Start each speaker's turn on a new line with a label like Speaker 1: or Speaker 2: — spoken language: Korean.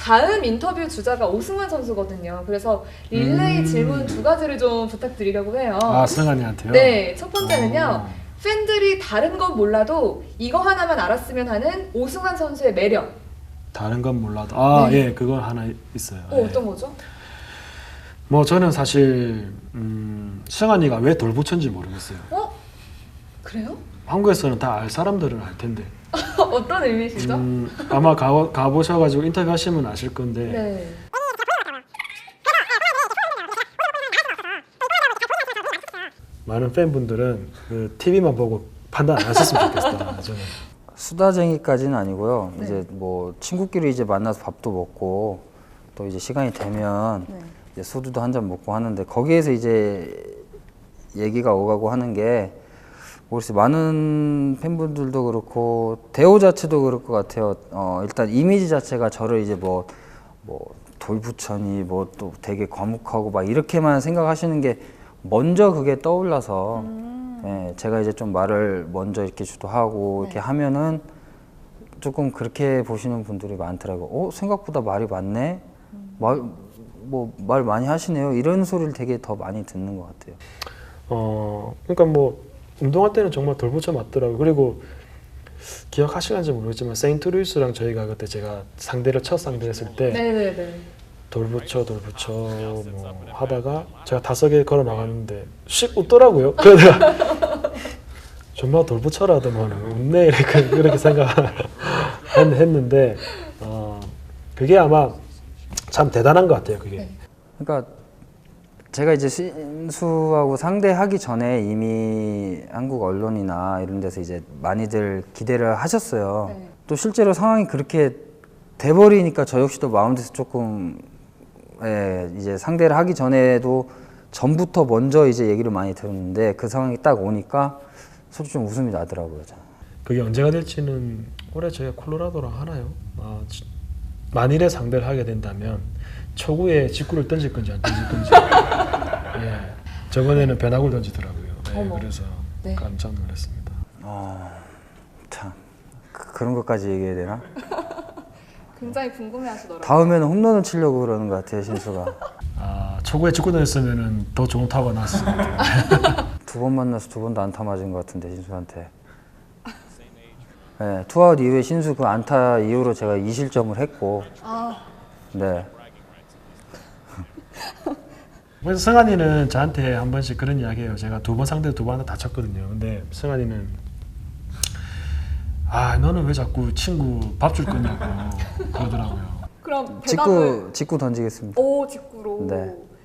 Speaker 1: 다음 인터뷰 주자가 오승환 선수거든요. 그래서 릴레이 질문 두 가지를 좀 부탁드리려고 해요.
Speaker 2: 아, 승환이한테요?
Speaker 1: 네, 첫 번째는요. 팬들이 다른 건 몰라도 이거 하나만 알았으면 하는 오승환 선수의 매력.
Speaker 2: 다른 건 몰라도 아,
Speaker 1: 네.
Speaker 2: 예, 그건 하나 있어요. 예.
Speaker 1: 어떤 거죠?
Speaker 2: 뭐 저는 사실 승환이가 왜 돌부처인지 모르겠어요.
Speaker 1: 그래요?
Speaker 2: 한국에서는 다 알 사람들은 알 텐데
Speaker 1: 어떤 의미시죠?
Speaker 2: 아마 가보셔가지고 인터뷰하시면 아실 건데
Speaker 1: 네.
Speaker 2: 많은 팬분들은 그 TV만 보고 판단 안 하셨으면 좋겠다. 저는.
Speaker 3: 수다쟁이까지는 아니고요.
Speaker 1: 네.
Speaker 3: 이제 뭐 친구끼리 이제 만나서 밥도 먹고 또 이제 시간이 되면
Speaker 1: 네.
Speaker 3: 이제 소주도 한 잔 먹고 하는데 거기에서 이제 얘기가 오가고 하는 게 모르겠어요. 많은 팬분들도 그렇고 대호 자체도 그럴 것 같아요. 일단 이미지 자체가 저를 이제 뭐 돌부처니 뭐 또 되게 과묵하고 막 이렇게만 생각하시는 게 먼저 그게 떠올라서 예, 제가 이제 좀 말을 먼저 이렇게 주도하고 이렇게 하면은 조금 그렇게 보시는 분들이 많더라고요. 생각보다 말이 많네. 말 많이 하시네요. 이런 소리를 되게 더 많이 듣는 것 같아요.
Speaker 2: 그러니까 뭐 운동할 때는 정말 돌부처 맞더라고요. 그리고 기억하시는지 모르겠지만 세인트루이스랑 저희가 그때 제가 첫 상대했을 때
Speaker 1: 네네네.
Speaker 2: 돌부처 뭐 하다가 제가 5개 걸어 나갔는데 씩 웃더라고요. 그러다가 정말 돌부처라더만 웃네 이렇게 생각했는데 그게 아마 참 대단한 것 같아요. 그게.
Speaker 1: 네.
Speaker 3: 그러니까 제가 이제 신수하고 상대하기 전에 이미 한국 언론이나 이런 데서 이제 많이들 기대를 하셨어요.
Speaker 1: 네.
Speaker 3: 또 실제로 상황이 그렇게 돼버리니까 저 역시도 마운드에서 조금 이제 상대를 하기 전에도 전부터 먼저 이제 얘기를 많이 들었는데 그 상황이 딱 오니까 솔직히 좀 웃음이 나더라고요.
Speaker 2: 그게 언제가 될지는 올해 저희가 콜로라도랑 하나요? 만일에 상대를 하게 된다면 초구에 직구를 던질 건지 안 던질 건지. 예, 저번에는 변화구를 던지더라고요. 예, 그래서
Speaker 1: 네.
Speaker 2: 깜짝 놀랐습니다.
Speaker 3: 참 그런 것까지 얘기해야 되나?
Speaker 1: 굉장히 궁금해하시더라고요.
Speaker 3: 다음에는 홈런을 치려고 그러는 것 같아요, 신수가.
Speaker 2: 초구에 직구 던졌으면 더 좋은 타구가 나왔을 것 같아요.
Speaker 3: 2번 만나서 2번도 안타 맞은 것 같은데 신수한테. 네, 투아웃 이후에 신수 그 안타 이후로 제가 2실점을 했고. 네.
Speaker 2: 그래서 승환이는 저한테 한 번씩 그런 이야기해요. 제가 2번 상대 2번 다 쳤거든요. 근데 승환이는 너는 왜 자꾸 친구 밥 줄 거냐고 그러더라고요.
Speaker 1: 그럼 대답을
Speaker 3: 직구 던지겠습니다.
Speaker 1: 직구로.
Speaker 3: 네.